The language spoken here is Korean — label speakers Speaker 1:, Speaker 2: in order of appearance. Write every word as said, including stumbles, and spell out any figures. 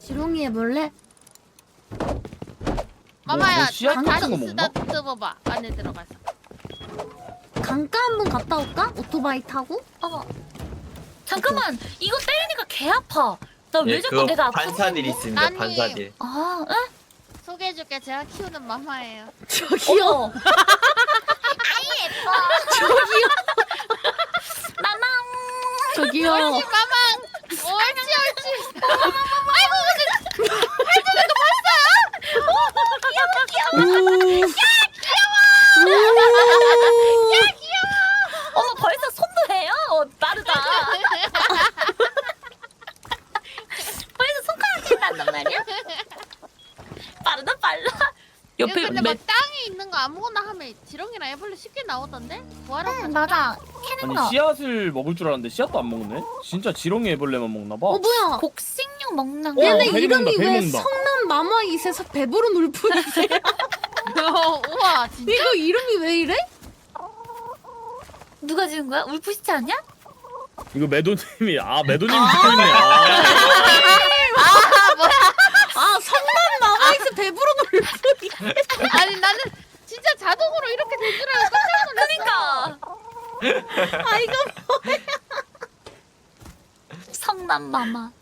Speaker 1: 지렁이 해볼래?
Speaker 2: 마마야,
Speaker 3: 뭐 씨앗
Speaker 2: 다-
Speaker 3: 같은 거
Speaker 2: 다시
Speaker 3: 먹나?
Speaker 2: 쓰다듬어봐. 안에 들어가서.
Speaker 1: 강가 한번 갔다 올까? 오토바이 타고?
Speaker 4: 어. 잠깐만, 이거 때리니까 개 아파. 나 왜
Speaker 5: 예,
Speaker 4: 자꾸
Speaker 5: 그거
Speaker 4: 내가 아프지?
Speaker 5: 반사딜 있습니다.
Speaker 2: 아니.
Speaker 5: 반사딜.
Speaker 4: 아, 응?
Speaker 2: 소개해줄게. 제가 키우는 마마예요.
Speaker 1: 저기요.
Speaker 4: 어머. 아이 예뻐.
Speaker 1: 저기요.
Speaker 4: 마망.
Speaker 1: 저기요.
Speaker 2: 마망. 옳지 옳지.
Speaker 1: 오.
Speaker 4: 어머, 벌써 손도 해요? 어, 빠르다. 벌써 손가락이 난단 말이야? 빠르다, 빨라.
Speaker 2: 이거
Speaker 4: 옆에
Speaker 2: 근데
Speaker 4: 매...
Speaker 2: 막 땅에 있는 거 아무거나 하면 지렁이랑 애벌레 쉽게 나오던데? 구하러
Speaker 4: 응, 맞아. 캐는 거.
Speaker 3: 아니 씨앗을 먹을 줄 알았는데 씨앗도 안 먹네? 진짜 지렁이 애벌레만 먹나봐.
Speaker 1: 어 뭐야?
Speaker 4: 곡식류 먹는
Speaker 3: 어,
Speaker 4: 거.
Speaker 1: 얘네
Speaker 3: 베리
Speaker 1: 이름이
Speaker 3: 먹는다, 베리
Speaker 1: 왜
Speaker 3: 먹는다.
Speaker 1: 성남 마마이세서 배부른 울프이세?
Speaker 2: 어, 우와 진짜?
Speaker 1: 이거 이름이 왜 이래?
Speaker 4: 누가 지은 거야? 울프시치 않냐?
Speaker 3: 이거 매도님이 아 매도님이 듣고 있네. 아.
Speaker 1: 아 성남 마마이세 배부른 울프이.
Speaker 2: 아니 나는 진짜 자동으로 이렇게 된 줄 알고 깜짝 놀랐어.
Speaker 4: 그니까.
Speaker 1: 아 이거
Speaker 4: 성남 마마.